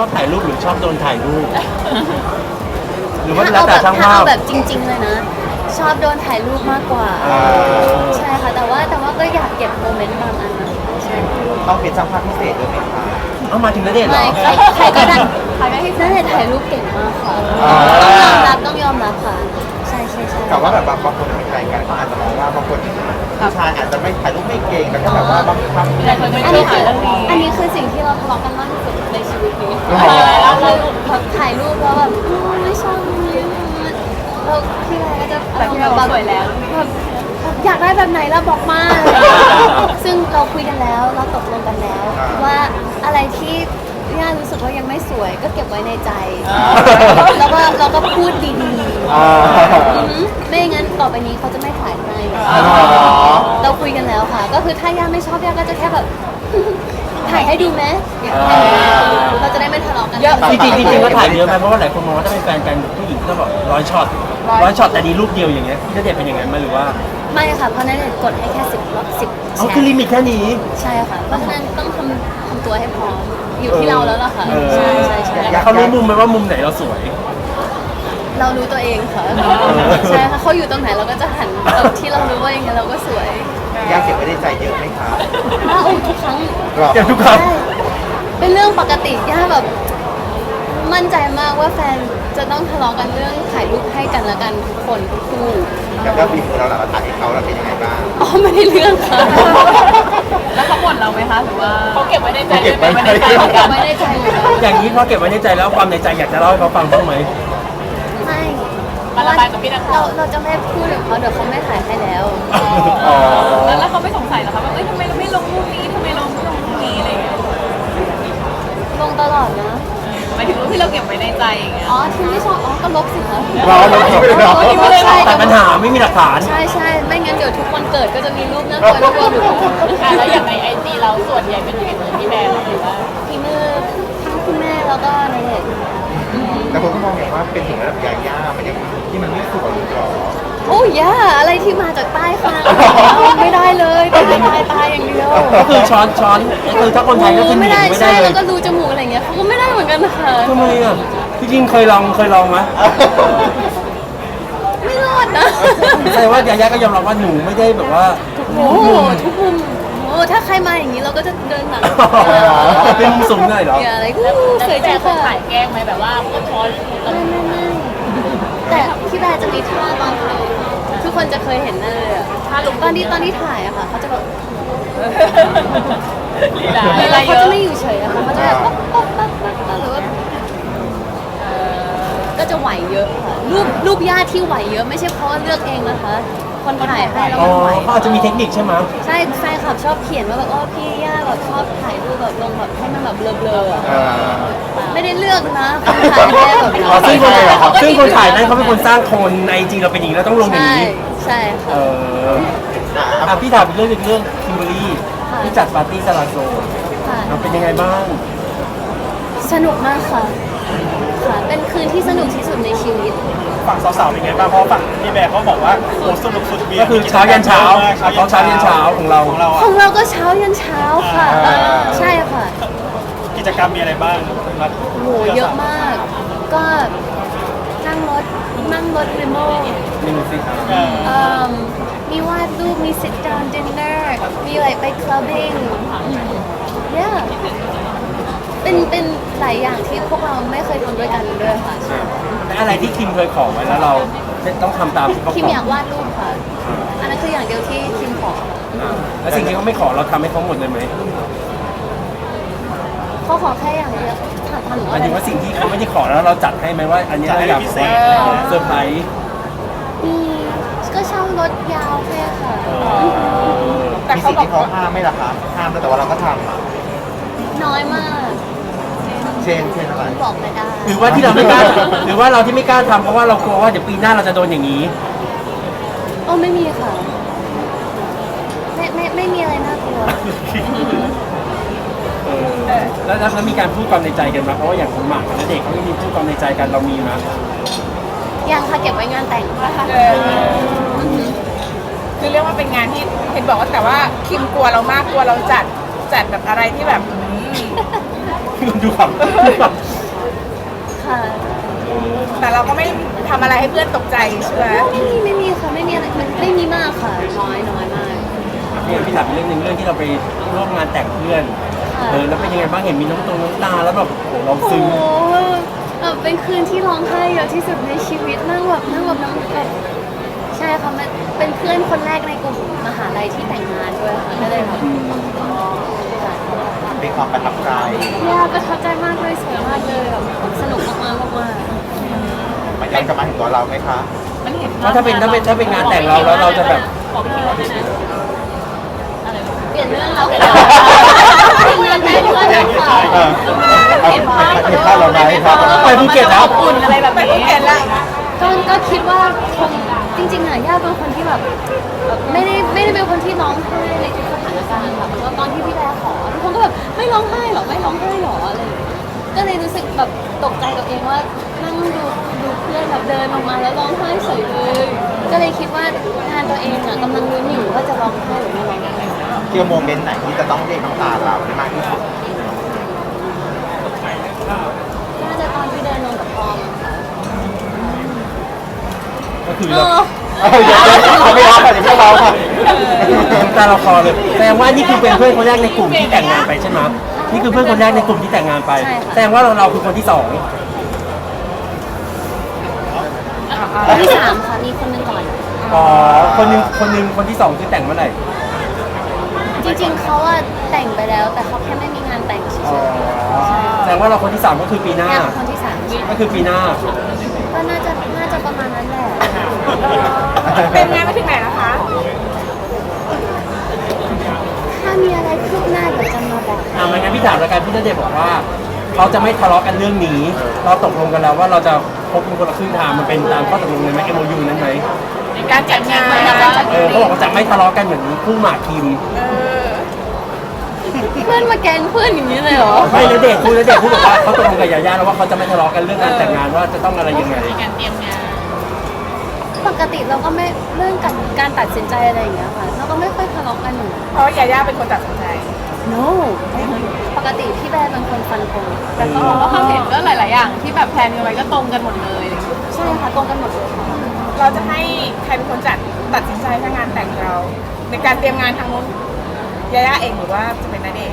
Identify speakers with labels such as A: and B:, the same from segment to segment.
A: อบถ่ายรูปหรือชอบโดนถ่ายรูปหรือว่าแล้วแต่ช่างภาพ
B: แบบจริงๆเลยนะชอบโดนถ่ายรูปมากกว่าใช่ค่ะแต่ว่าก็อยากเก็บโมเมนต์บางอันนะใช่
C: ต้องเป็นช่างภาพพิเศษด้วยไหมคะ
A: เอามาถึงณเดชน์เหรอ
B: ใครก็ได้ณเดชน์ถ่ายรูปเก่งมากค่ะต้องยอมรับค่ะใช่
C: แต่ว่าแบบบางคนเป็นแฟนกันเขาอาจจะมองว่าบางคนผู้ชายอาจจะไม่ถ่ายรูปไม่เก่งแต่ก็แบบว่าบางครั้ง
B: อันนี้คือสิ่งที่เราทะเลาะกันมากที่สุดในชีวิตนี้คือถ่ายรูปแล้วแบบไม่ชอบแล้วพี่ไรก็จะ
D: แต่พี่เราสวยแล้ว
B: อยากได้แบบไหนแล้วบอกมาซึ่งเราคุยกันแล้วเราตกลงกันแล้วว่าอะไรที่ย่ารู้สึกว่ายังไม่สวยก็เก็บไว้ในใจแล้วก็พูดดีๆไม่งั้นต่อไปนี้เขาจะไม่ถ่ายให้เราคุยกันแล้วค่ะก็คือถ้าย่าไม่ชอบย่าก็จะแค่แบบถ่ายให้ดูไหมเราจะได้ไม่ทะเลาะกัน
A: จริงก็ถ่ายเยอะไหมเพราะว่าหลายคนมองว่าถ้าเป็นแฟนกันผู้หญิงก็แบบ100 ช็อตแต่ดีรูปเดียวอย่างเงี้ยพี่ณเดชน์เป็นอย่างนั้นไหมหรือว่า
B: ไม่ค่ะเพราะณเดชน์กดให้แค่10
A: อ๋อคือลิมิตแค่นี้
B: ใช่ค่ะเพราะฉะนั้นต้องทำตัวให้พร้อมอยู่ที่เราแล้วล่ะค่ะใช่
A: เขารู้มุมไหมว่ามุมไหนเราสวย
B: เรารู้ตัวเองค่ะใช่ค่ะเขาอยู่ตรงไหนเราก็จะหันที่เรารู้ว่าอย่างเงี้ยเราก็สวย
C: ยากเก็บไว้ในใจเยอะไหมคะ
B: ทุกครั้ง
A: เก็บทุกครั้ง
B: เป็นเรื่องปกติย่าแบบมั่นใจมากว่าแฟนจะต้องทะเลาะกันเรื่องถ่ายรูปให้กันและกันทุกคนทุกคู่
C: แล้วบีบเราหลังถ่ายให้เขาเราเป็นยังไงบ้าง
B: ไม่ได้เรื่องค่ะ
D: แล้วเขาบ่นเราไหมคะหรือว่าเขาเก็บไว้ในใจ
B: เก็บไว้ในใจ
A: อย่างนี้พอเก็บไว้ในใจแล้วความในใจอยากจะเล่าให้เขาฟังบ้างไหม
B: ไม่
D: มาระบายกับพี่นักข่าว
B: เราจะไม่พูดกับเขาเดี๋ยวเขาไม่ถ่ายให้แล้ว
D: แล้วเขาไม่สงสัยเหรอคะว่าทำไมเราไม่ลงรูปนี้ทำไมเราไม่ลงรูปนี้อะไรอย่างเงี้ย
B: ลงตลอดนะ
D: หมายถึงรูปที่เราเก็บไว้ในใจอย่างเงี้ย
B: ที่ไม่ชอบก็ลบสิคะ
C: เราทิ้งไปเลยเนาะ
A: แต่ปัญหาไม่มีหลักฐาน
B: ใช่ไม่งั้นเดี๋ยวทุกวันเกิดก็จะมีรูปน่ากลัวอยู่
D: แล้วอย่างในIGเราส่วนใหญ่เป็นฝีมือพี่แบร์หรือว่า
B: ฝีมือทั้งคุณแม่แล้วก็ในเด็ก
C: แต่คนก็มองอย่างว่าเป็นถึงระดับยาย่ามันยังที่มันไม่สวยหรอ
B: โอ้ย่าอะไรที่มาจากใต้คางไม่ได้เลยตายอย่างเดียว
A: ก็คือช้อนคือถ้าคนไทยก็คือ
B: ไม่ได้ใช่แล้วก็รูจมูกอะไรเงี้ยเขาก็ไม่ได้เหมือนกันค่ะ
A: ทำไมอ่ะพี่จริงเคยลองไหม
B: ไม่รอดนะ
A: แสดงว่ายาย่าก็ยอมรับว่าหนูไม่ได้แบบว่า
B: ทุกมุมถ้าใครมาอย่างนี้เราก็จะเดินหลัง
A: เป็นมุมสูงหน่อยเหรอ
B: อะไรเคยเจอ
D: ถ่ายแกล้งไหมแบบว่าคนช้อน
B: ไม่แต่พี่แบร์จะมีท่าตอนถ่ายทุกคนจะเคยเห็นเลยอะตอนที่ถ่ายอะค่ะเขาจะแบบเขาจะไม่อยู่เฉยอะค่ะเขาจะแบบหรือว่าก็จะไหวเยอะค่ะรูปย่าที่ไหวเยอะไม่ใช่เพราะว่าเลือกเองนะคะคนถ่ายให้เราไหว
A: เขาอาจจะมีเทคนิคใช่ไหม
B: ใช่แฟนคลับชอบเขียนว่าแบบพี่ย่าแบบชอบถ่ายรูปแบบลงแบบให้มันแบบเบลอๆไม่ได้เลือกนะคนถ่ายให้แบบ
A: ซึ่งคนถ่ายนั้นเขาเป็นคนสร้างคนในจริงเราเป็นอย่างนี้เราต้องลงอย่างนี้
B: ใช่
A: ค่ะพี่ถามเรื่องคิมเบอรี่ที่จัดปาร์ตี้ซาลาโซมันเป็นยังไงบ้าง
B: สนุกมากค่ะเป็นคืนที่สนุกที่สุดในชีวิต
E: ฝั่งสาวๆเป็นไงบ้างเพราะฝั่งพี่แบร์เขาบอกว่าโอ้สนุกสุดเบียร์
A: ก็คือเช้ายันเช้าของเรา
B: ก็เช้ายันเช้าค่ะใช่ค่ะ
E: กิจกรรมมีอะไรบ้าง
B: โหเยอะมากก็นั่งรถลิโม่มีวาดรูปมี sit down dinner มีอะไรไป clubbing yeah เป็นหลายอย่างที่พวกเราไม่เคยทำด้วยกันด้วยค่ะ
A: แต่อะไรที่คิมเคยขอไว้แล้วเราต้องทำตามที่เขาขอ
B: คิมอยากวาดรูปค่ะอันนั้นคืออย่างเดียวที่คิมขอ
A: แล้วสิ่งที่เขาไม่ขอเราทำให้เขาหมดเลยไหม
B: เขาขอแค่อย่างเดียวถามหนู
A: ว่าสิ่งที่เขาไม่ได้ขอแล้วเราจัดให้ไหมว่าอันนี้เราอยากเซอร์ไพรส์
B: ก็เช่ารถยาวแค่ค่ะ
C: มีสิ่งที่เขาห้ามไม่ล่ะคะห้ามแต่ว่าเราก็ทำ
B: น้อยมาก
C: เช่นอะไร
B: บอกไม่ได้
A: หรือว่าที่เราไม่กล้าหรือว่าเราที่ไม่กล้าทำเพราะว่าเรากลัวว่าเดี๋ยวปีหน้าเราจะโดนอย่างนี้
B: ไม่มีค่ะไม่มีอะไรน่ากลัว
A: แล้วมีการพูดความในใจกันไหมเพราะว่าอย่างคุณหมากกับเด็กเขาไม่มีพูดความในใจกันเรามีไหม
B: ยังค่ะเก็บไว้งานแต่งค่ะ
D: คือเรียกว่าเป็นงานที่เห็นบอกว่าแต่ว่าคิมกลัวเรามากกลัวเราจัดแบบอะไรที่แบบ
A: ดูครับ
B: ค่ะ
D: แต่เราก็ไม่ทำอะไรให้เพื่อนตกใจใช่ไหม
B: ไม่มีค่ะไม่มีอะไรมันไม่มีมากค่ะน้อยมาก
A: เนี่ยพี่ถามเรื่องหนึ่งเรื่องที่เราไปร่วมงานแต่งเพื่อนแล้วเป็นยังไงบ้างเห็นมีน้ำตาแล้วแบบเรา
B: โอ้โห
A: ซึ้ง
B: แบบเป็นคืนที่ร้องไห้เยอะที่สุดในชีวิตนั่งแบบน้ำแบบใช่ค่ะมันเป็นเพื่อนคนแรกในกลุ่มมหาลัยที่แต่งงานด้วยค่ะก็เลยแบบค่ะ
C: เป็นความประทับใจ
B: ยากประทับใจมากเลยสวยมากเลยแบบสนุกมากๆ
C: มันย้อนกลับมาถึงตัวเราไหมคะ
D: มันเห็น
A: เพราะถ้าเป็นงานแต่งเราแล้วเราจะแบบ
D: บอกพี่ว่าได้นะอะไรวะ
B: เปลี่ยนเรื่องเราเปลี่ยนเรื่องแต่งงานแล้วค่ะ
C: เห็นภาพเราไหมครับ
A: ไปภูเก็ตแล้ว
D: อุ่นอะไรแบบนี้เห็นแล้ว
B: ก็คิดว่าคงจริงๆอ่ะย่าเป็นคนที่แบบไม่ได้เป็นคนที่ร้องไห้ในทุกสถานการณ์ค่ะแล้วตอนที่พี่แบร์ขอทุกคนก็แบบไม่ร้องไห้หรอไม่ร้องไห้หรออะไรอย่างเงี้ยก็เลยรู้สึกแบบตกใจตัวเองว่านั่งดูเพื่อนแบบเดินออกมาแล้วร้องไห้เฉยเลยก็เลยคิดว่างานตัวเองอ่ะกำลังลุ้นอยู่ว่าจะร้องไห้หรือไม่ร้องไห้
C: เที่ยวโมเมนต์ไหนที่จะต้องเรียกน้ำตาเราได้มากที่สุด
B: น่าจะตอนที่เดินลงกับพอมค่ะ
A: ก็คือ
B: เอ
A: เรา
B: อ
C: เดี๋ยวเขาไม่รับค่ะเดี๋ยวไม่เราค่ะ
A: น้ำตาเราคลอเลยแสดงว่านี่คือเป็นเพื่อนคนแรกในกลุ่มที่แต่งงานไปใช่ไหมนี่คือเพื่อนคนแรกในกลุ่มที่แต่งงานไปแสดงว่าเราคือคนที่สอง
B: คนที่สามค่ะมีคนหนึงก่อน
A: อ๋อคนหนึงคนที่สองคือแต่งเมื่อไหร่
B: จริงๆเขาอะแต่งไปแล้ว แต่เขาแค่ไม่มีงานแต่งเฉย
A: แสดงว่าเราคนที่สามก็คือปีห
B: ๆ
A: น้า
B: แค่คนที่สาม
A: ก็คือปีหน้า
B: ก็น่าจะประมาณนั้นแหละ
D: เป็นงานไปถึงไหนแล้วคะ
B: ถ้ามีอะไรคืบหน้าเดี๋ยวจะมาบอก
A: ไม่งั้นพี่ถามแล้วกันพี่ณเดชน์บอกว่าเราจะไม่ทะเลาะกันเรื่องนี้ เราตกลงกันแล้วว่าเราจะพบกันคนละครึ่งทางมันเป็นตามข้อตกลงเลยไหม MOU นั้นไหม
D: ในการจัดงาน
A: เขาบอกว่าจะไม่ทะเลาะกันเหมือนคู่หมากคิม
B: เพื่อนมาแกล้งเพื่อนอย่างนี้เลยเหรอ
A: ไม่ณเดชน์พูดบอกว่าเขาตกลงกับยาย่าแล้วว่าเขาจะไม่ทะเลาะกันเรื่องการแต่งงานว่าจะต้องอะไรยังไง
D: การเตรียมงาน
B: ปกติเราก็ไม่เรื่องการตัดสินใจอะไรอย่างเงี้ยค่ะเราก็ไม่ค่อยทะเลาะกันอยู่
D: เพราะยาย่าเป็นคนตัดสินใจ
B: no ปกติพี่แบร์เป็นคนฟันธง
D: แต่ก็บอกว่าความเห็นก็หลาย ๆ อย่างที่แบบแพลนกันไว้ก็ตรงกันหมดเลย
B: ใช่ค่ะตรงกันหมดเลยค่ะ
D: เราจะให้ใครเป็นคนตัดสินใจถ้างานแต่งเรา ในการเตรียมงานทางนู้นยาย่าเองหรือว่าจะเป็นนันเอง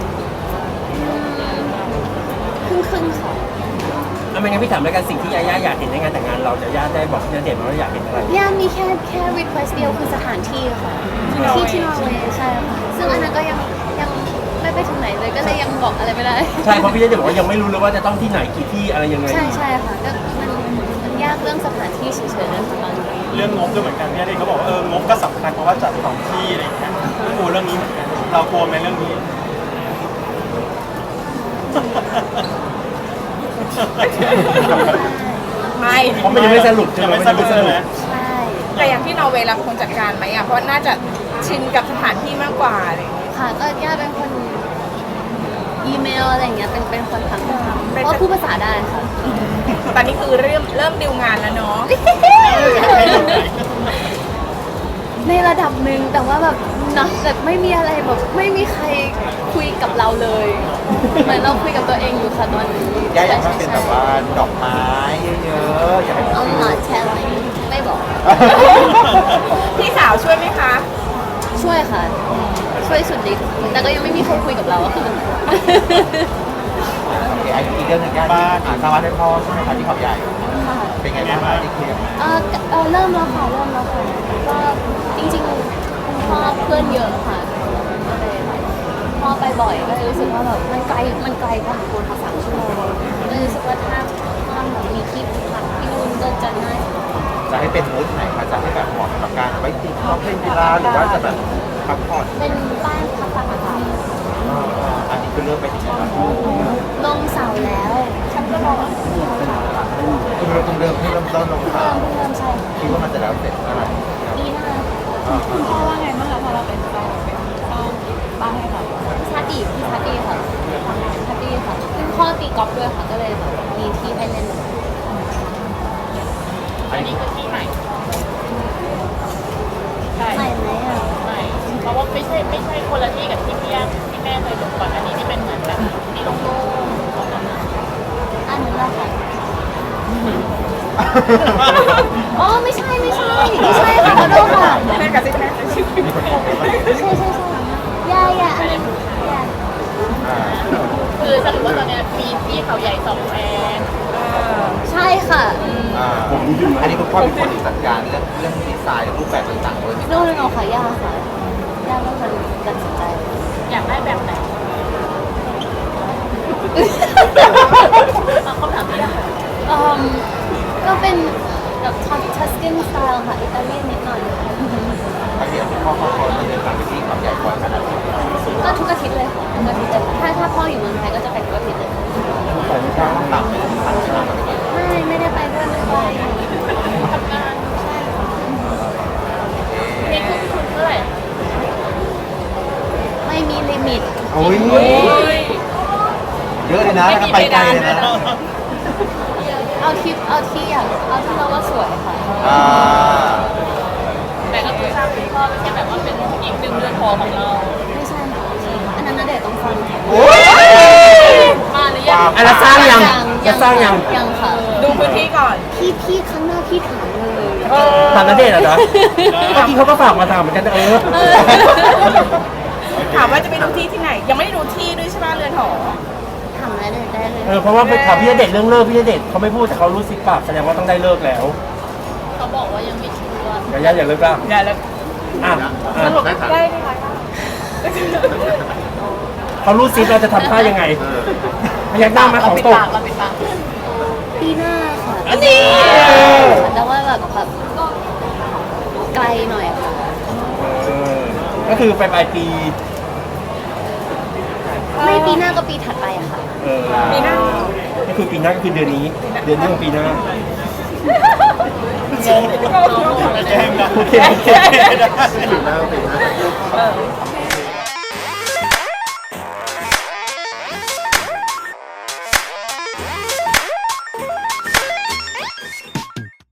B: ครึ่งๆค่ะ
A: ไม่งั้นพี่ถามแล้วกันสิ่งที่ยาย่าอยากเห็นในงานแต่งงานเรายาย่าได้บอกพี่ณเดชน์ว่าอยากเห็นอะไร
B: ย่ามีแค่ request เดียวคือสถานที่ค่ะที่นอร์เวย์ใช่ค่ะซึ่งอันนั้นก็ยังไม่ไปถึงไหนเลยก็เลยยังบอกอะไรไม่ได้
A: ใช่เพราะพี่ณเดชน์บอกว่ายังไม่รู้เลยว่าจะต้องที่ไหนกี่ที่อะไรยังไง
B: ใช่ค่ะก็มันยากเรื่องสถานที่เฉยๆนะคะตอนนี้
E: เรื่องงบด้วยเหมือนกันพี่ณเดชน์เขาบอกว่างบก็สำคัญเพราะว่าจัดสองที่อะไรอย่างเงี้ยกลัวเรื่องนี้เหมือนกันเรากลัวไหมเรื่องนี้
D: ไม่
A: เพราะมันยังไม่สรุปใช่
E: ยัง
A: ไหม
E: ไม่สรุปใช่ไหม
B: ใช่
D: แต่อย่างที่นอร์เวย์เราเป็นคนจัดการไหมอ่ะ เพราะน่าจะชินกับสถานที่มากกว่าอะไรอย่างเงี้ย
B: ค่ะก็ย่าเป็นคนอีเมลอะไรอย่างเงี้ยเป็นคนทำเพราะพูดภาษาได้ค่ะ
D: ตอนนี้คือเริ่มดิวงานแล้วเนาะ
B: ในระดับหนึ่งแต่ว่าแบบนะแบบไม่มีอะไรแบบไม่มีใครคุยกับเราเลยเหมือนเราคุยกับตัวเองอยู่ค่ะตอนนี้
C: ย่าอยากให้เป็นแบบว่าดอกไม้เยอะๆอยากให้เป็น
B: เอาหมาแชร์อะไรไม่บอก
D: พี่สาวช่วยไหมคะ
B: ช่วยค่ะ ช่วยสุดฤทธิ์แต่ก็ยังไม่มีคนคุยกับเราอะค่ะ
C: โอเคอีกเรื่องหนึ่งย่าที่สร้างบ้านให้พ่อใช่ไหมคะที่เขาใหญ่
B: ค่ะ
C: เป็นไงบ้างคะที่เคลียร์
B: เริ่มแล้วค่ะก็จริงๆคุณพ่อเพื่อนเยอะค่ะก็เลยพ่อไปบ่อยก็เลยรู้สึกว่าแบบมันไกลพอสมควรค่ะ3 ชั่วโมงก็เลยรู้สึกว่าถ้าแบบมีที่พักที่นู่นก็จะน่า
C: จะให้เป็นมูดไหนคะจะให้แบบเหมาะกับการไว้ติดรอบเล่นกีฬาหรือว่าจะแบบพักผ่อน
B: เป็นบ้านพักผ่อนค่ะ
C: อันนี้คือเลือกไปถึงแล้ว
B: ลงเสาแล้วฉันก็บอกว่า
C: คุณเริ่มให้เริ่มต้นลง
B: เริ่มใช่
C: คิดว่ามันจะแล้วเสร็จเมื่อไหร่
B: ปีหน้า
D: คุณพ่อว่าไงบ้างคะพอเราเป็นเจ้าบ้านให้เขา
B: ชาติพี่ชาติค่ะซึ่งพ่อตีกอล์ฟด้วยค่ะก็เลยแบบมีที่ให้เล่น
D: อันนี้คือที่ใหม่ใช่
B: ใหม่ไหมอ่ะ
D: ใหม่เพราะว่าไม่ใช่คนละที่กับที่พี่ย่าที่แม่เคยลงก่อนอันนี้ที่เป็นเหมือนแบบที่โล่งๆ
B: อันนั้นแหละค่ะอ๋อไม่ใช่ค่ะขอโทษค่ะ
D: แม่กับซิแม่
B: ใช่อย่าอันนี้อย่า
F: คือสรุปว่าตอนเนี้ยมีที่เขาใหญ่2แพง
B: ใช่ค่ะ
C: อันนี้คุณพ่อเป็นคนจัดการเรื่องดีไซน์รูปแบบต่างๆด้วย
B: โน่นค่ะย่าค่ะย่าเป็นคนตัดสินใจ
F: อยากได้แบบไหนคำถามนี้ค่ะ
B: ก็เป็นแบบทัสกินสไตล์ค่ะอิตาเลียนนิดหน่อย
C: บางทีพ่อเขาจะเดินทางไปที่เขาใหญ่ก่อนขนาดนี้
B: ก็ทุกอาทิตย์เลยค่ะทุกอาทิตย์เลยถ้าพ่ออยู่เมืองไทยก็จะไปทุกอาทิตย์เลย
C: ต้องต่ำไปถึงพันใช่ไหม
B: ไม่ได้ไปด้วยไม่ไป
F: ทำงานนี่คือทุนเท่าไหร่
B: ไม่มีลิมิต
C: โอ้ยเยอะเลยนะไปไกลเลยนะ
B: เอาที่อยากเอาที่เราว่าสวยค่ะ
F: แต่ก็คือสร้างคุณพ่อไม่ใช่แบบว่าเป็นอีก1 เดือนพอของเรา
B: ไม่ใช่ค่ะอันนั้นนะเดี๋ยวต้องฟังค่ะ
F: มาหรือยัง
A: อันนั้นสร้างยังจะสร้างยัง
B: ยังค่ะ
D: ดูพื้นที่ก่อน
B: พี่ข้างหน้าพี่ถามเลย
A: ถามณเดชน์เหรอเมื่อกี้เขาก็ฝากมาถามเหมือนกันเออ
D: ถามว่าจะไปดูที่ที่ไหน ยังไม่ได้ดูที่ด้วยใช่ไหมเรือนหอ
B: ถามได้เลย
A: เพราะว่าไปถามพี่ณเดชน์เรื่องเลิกพี่ณเดชน์เขาไม่พูดแต่เขารู้สิปากแสดงว่าต้องได้เลิกแล้ว
F: เขาบอกว่ายังไม่ชัวร์
A: อย่าเลิกละ
D: อย่าเลย
A: อ่ะ
D: สรุปได้ไหมคะ
A: เขารู้สิเราจะทำท่ายังไงพยักหน้ามาของตก
F: เราปิดปาก
B: ปีหน้าค่ะ
A: อันนี้
B: แต่ว่าแบบไกลหน่อยค่ะ
A: ก็คือไปปลายปี
B: ไม่ปีหน้าก็ปีถัดไปอะค่ะ
D: ปีหน้า
A: ก็คือปีหน้าก็คือเดือนนี้ของปีหน้า
E: แจ้งนะ
A: โอเค
C: ปีหน้า